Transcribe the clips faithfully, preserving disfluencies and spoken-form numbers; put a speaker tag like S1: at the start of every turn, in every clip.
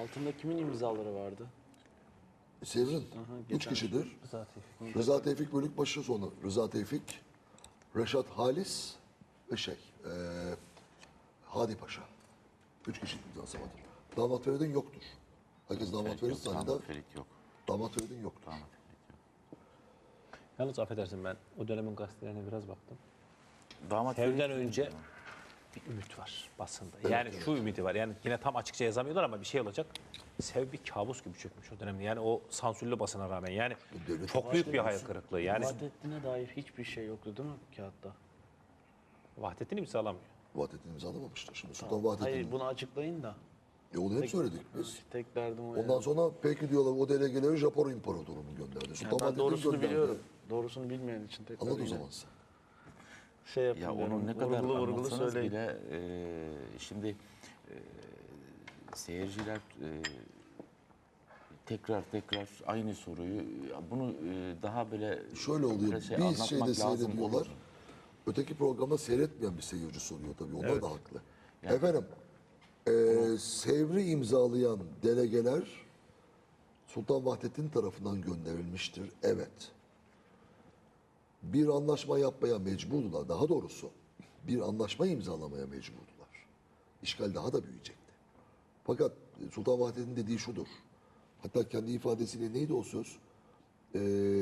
S1: Altında kimin imzaları vardı?
S2: Sevr'in
S1: Aha,
S2: üç
S1: geçen-
S2: kişidir.
S3: Rıza Tevfik.
S2: Rıza Tevfik Bölükbaşı, sonra Rıza Tevfik, Reşat Halis ve şey, eee Hadi Paşa. Üç kişi imzası vardır. Damat Feridun yoktur. Herkes damat Ferit zanneder.
S4: Damat Ferit yok.
S2: Damat Feridun yoktur.
S4: Damat Ferit yok.
S3: Yalnız affedersin, ben o dönemin gazetelerine biraz baktım.
S4: Damat
S3: Sevden
S4: Ferit-
S3: önce bir ümit var basında. Yani şu ümidi var. Yani yine tam açıkça yazamıyorlar ama bir şey olacak. Sev bir kabus gibi çökmüş o dönemde. Yani o sansürlü basına rağmen. Yani
S2: Devlet
S3: çok büyük bir hayal kırıklığı. Yani
S1: Vahdettin'e dair hiçbir şey yoktu değil mi kağıtta?
S3: Vahdettin imzalamıyor.
S2: Vahdettin imzalamamıştır. Şimdi Sultan Vahdettin.
S1: Hayır bunu açıklayın da.
S2: E onu hep söyledik biz.
S1: Tek derdim o.
S2: Ondan
S1: yani.
S2: sonra peki diyorlar o delegeleri Japon İmparatorluğu'nun gönderdi. Sultan
S1: Yani ben
S2: Vahdettin
S1: doğrusunu
S2: gönderdi.
S1: biliyorum. Doğrusunu bilmeyen için tekrar
S2: Anladın o
S1: yine
S2: zaman sen.
S1: şey yapın.
S4: Ya
S1: diyorum,
S4: onu ne kadar
S1: vurgulu vurgulu
S4: anlatsanız
S1: söyleyin.
S4: bile e, şimdi e, seyirciler e, tekrar tekrar aynı soruyu ya bunu e, daha böyle
S2: Şöyle oluyor.
S4: biraz şey
S2: bir
S4: anlatmak
S2: şeyde
S4: lazım
S2: seyrediyorlar.
S4: olur.
S2: Öteki programda seyretmeyen bir seyirci soruyor tabii. Onlar
S3: Evet.
S2: da haklı. Efendim, eee Sevr'i imzalayan delegeler Sultan Vahdettin tarafından gönderilmiştir. Evet. Bir anlaşma yapmaya mecburdular. Daha doğrusu bir anlaşma imzalamaya mecburdular. İşgal daha da büyüyecekti. Fakat Sultan Vahdettin dediği şudur. Hatta kendi ifadesiyle neydi o söz? Eee,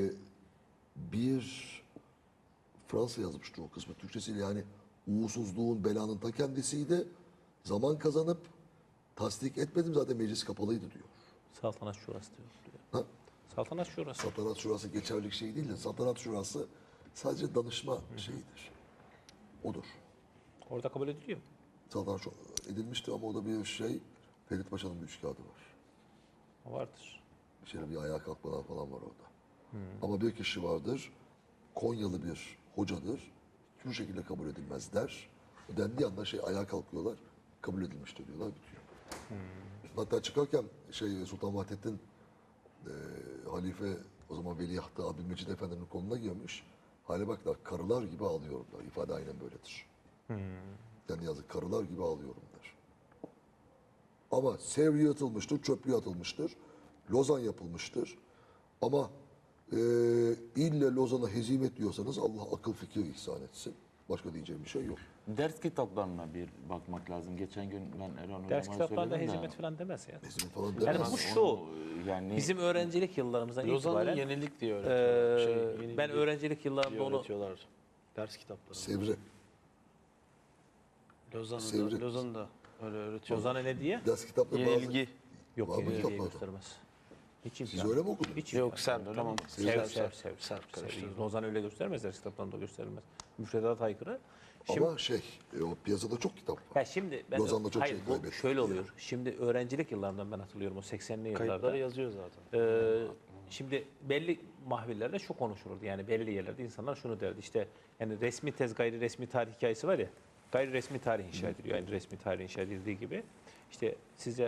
S2: bir Fransa yazmıştır o kısmı Türkçesiyle, yani uğursuzluğun, belanın ta kendisiydi. Zaman kazanıp tasdik etmedim, zaten meclis kapalıydı diyor.
S3: Saltanat Şurası diyor. diyor.
S2: Ha?
S3: Saltanat Şurası.
S2: Saltanat Şurası geçerlik şey değil de Saltanat Şurası sadece danışma şeyidir. Odur.
S3: Orada kabul ediliyor.
S2: Saltanat Şurası edilmişti ama o da bir şey, Ferit Paşa'nın bir üç kağıdı var.
S3: O vardır.
S2: İçeri bir ayağa kalkmalar falan var orada. Ama bir kişi vardır, Konyalı bir hocadır, hiçbir şekilde kabul edilmez der. Dendiği anda şey ayağa kalkıyorlar, kabul edilmiştir diyorlar, bitiyor. Hatta çıkarken şey Sultan Vahdettin e, halife, o zaman veliahtı Abdülmecid Efendi'nin koluna girmiş. Hale baklar, karılar gibi ağlıyorumlar. İfade aynen böyledir. Yani yazık, karılar gibi ağlıyorum der. Ama Sevriye atılmıştır, çöplüğe atılmıştır. Lozan yapılmıştır. Ama e, ille Lozan'a hezimet diyorsanız Allah akıl fikir ihsan etsin. Başka diyeceğim bir şey yok.
S4: Ders kitaplarına bir bakmak lazım. Geçen gün ben Erhan
S3: Ders
S4: Hocam'a
S3: kitaplarında
S4: söyledim de.
S3: hezimet falan demez ya.
S2: Hezimet falan
S3: Yani
S2: demez.
S3: bu şu,
S4: Onu, yani
S3: bizim öğrencilik yıllarımızdan
S1: Lozan'ın
S3: itibaren
S1: yenilik diye
S3: eee,
S1: öğretiyorlar. şey, yenilik
S3: ben öğrencilik yıllarımda
S1: diye
S3: onu
S1: öğretiyorlar. Ders kitapları.
S2: Sevri.
S1: Lozan'ı
S2: Sevri.
S1: da, Lozan'ı da öyle öğretiyorlar.
S3: Ozan'a ne diye?
S2: Ders kitapları bazı...
S1: Yenilgi.
S3: Yok,
S2: Var mı
S3: yenilgiyi
S2: kitaplarda?
S3: göstermez. Hiç
S2: Siz
S3: imkan.
S2: öyle mi okudunuz?
S3: Hiç
S1: Yok
S3: imkan.
S1: Serp tamam.
S3: Sev, sev, sev, sev.
S1: Serp karıştırdım.
S3: Lozan öyle göstermez, ders kitaplarında gösterilmez. Müfredat aykırı. Şimdi,
S2: Ama şey, e, o piyasada çok kitap var.
S3: ya şimdi ben,
S2: Lozan'da çok
S3: hayır,
S2: şey
S3: bu
S2: kaybettik
S3: şöyle
S2: ya.
S3: oluyor. Şimdi öğrencilik yıllarından ben hatırlıyorum o seksenli yıllarda.
S1: Kayıtları yazıyor zaten.
S3: Ee, şimdi belli mahvillerde şu konuşulurdu, yani belli yerlerde insanlar şunu derdi, işte yani resmi tez gayri resmi tarih hikayesi var ya, gayri resmi tarih inşa ediliyor, yani resmi tarih inşa edildiği gibi işte size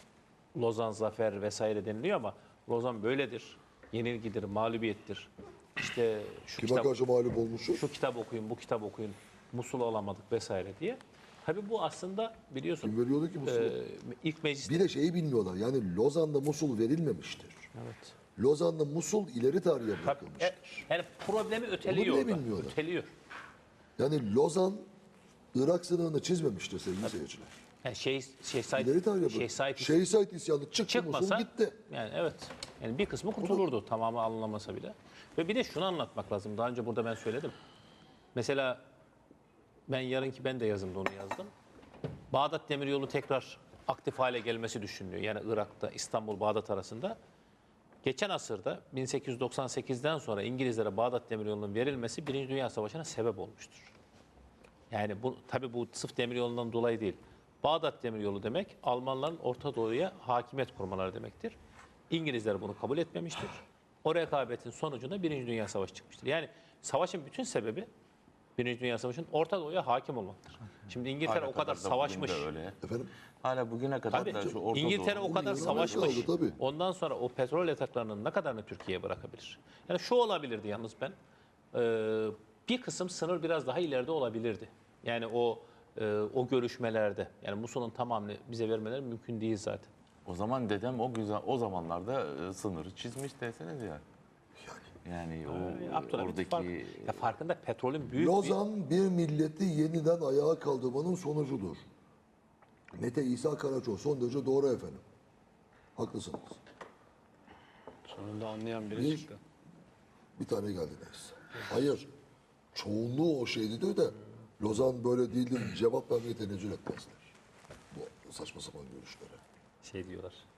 S3: Lozan zafer vesaire deniliyor ama Lozan böyledir, yenilgidir, mağlubiyettir, işte şu
S2: Kime
S3: kitap,
S2: karşı mağlup olmuşuz?
S3: şu kitap okuyun, bu kitap okuyun, Musul'u alamadık vesaire diye. Tabii bu aslında biliyorsun
S2: Kim veriyordu ki Musul'u?
S3: e, ilk meclis.
S2: Bir de şeyi bilmiyorlar. Yani Lozan'da Musul verilmemiştir.
S3: Evet.
S2: Lozan'da Musul ileri tarihe
S3: Tabii,
S2: bırakılmıştır.
S3: e, yani problemi öteliyor
S2: Onu bile
S3: orada.
S2: bilmiyorlar.
S3: Öteliyor.
S2: Yani Lozan Irak sınırını çizmemiştir sevgili seyirciler.
S3: Yani şey şey Said
S2: İleri tarihe
S3: şey
S2: bırakılmıştır.
S3: Said
S2: Şeyh Said isyanı çıktı,
S3: çıkmasa
S2: Musul gitti.
S3: yani evet. Yani bir kısmı kurtulurdu tamamı alınamasa bile. Ve bir de şunu anlatmak lazım. Daha önce burada ben söyledim. Mesela ben yarınki ben de yazımda onu yazdım. Bağdat Demiryolu tekrar aktif hale gelmesi düşünülüyor. Yani Irak'ta İstanbul Bağdat arasında. Geçen asırda bin sekiz yüz doksan sekizden sonra İngilizlere Bağdat Demiryolu'nun verilmesi Birinci Dünya Savaşı'na sebep olmuştur. Yani bu tabii bu sırf demiryolundan dolayı değil. Bağdat Demiryolu demek Almanların Orta Doğu'ya hakimiyet kurmaları demektir. İngilizler bunu kabul etmemiştir. O rekabetin sonucunda Birinci Dünya Savaşı çıkmıştır. Yani savaşın bütün sebebi Birinci Dünya Savaşı'nın Orta Doğu'ya hakim olmaktır. Şimdi İngiltere
S4: hala
S3: o kadar
S4: da bugün
S3: savaşmış.
S4: de öyle.
S2: Efendim?
S4: Hala bugüne kadar
S3: Tabii,
S4: da şu Orta
S3: İngiltere
S4: Doğu-
S3: o kadar
S2: Bugün
S3: savaşmış.
S2: kaldı, tabii.
S3: Ondan sonra o petrol yataklarının ne kadarını Türkiye'ye bırakabilir? Yani şu olabilirdi yalnız ben. Ee, bir kısım sınır biraz daha ileride olabilirdi. Yani o e, o görüşmelerde, yani Musul'un tamamını bize vermeleri mümkün değil zaten.
S4: O zaman dedem o güzel o zamanlarda e, sınırı çizmiş deseniz ya. Yani o
S3: Abdülhamit
S4: oradaki
S3: fark, ya farkında petrolün büyük bir...
S2: Lozan bir milleti yeniden ayağa kaldırmanın sonucudur. Mete İsa Karaço son derece doğru efendim. Haklısınız.
S1: Sonunda anlayan biri
S2: Bir-
S1: çıktı.
S2: Bir tane geldiniz. Hayır. Çoğunluğu o şeydi diyor da Lozan böyle değildir. Cevap vermeye tenezzül etmezler. Bu saçma sapan görüşlere.
S3: Şey diyorlar.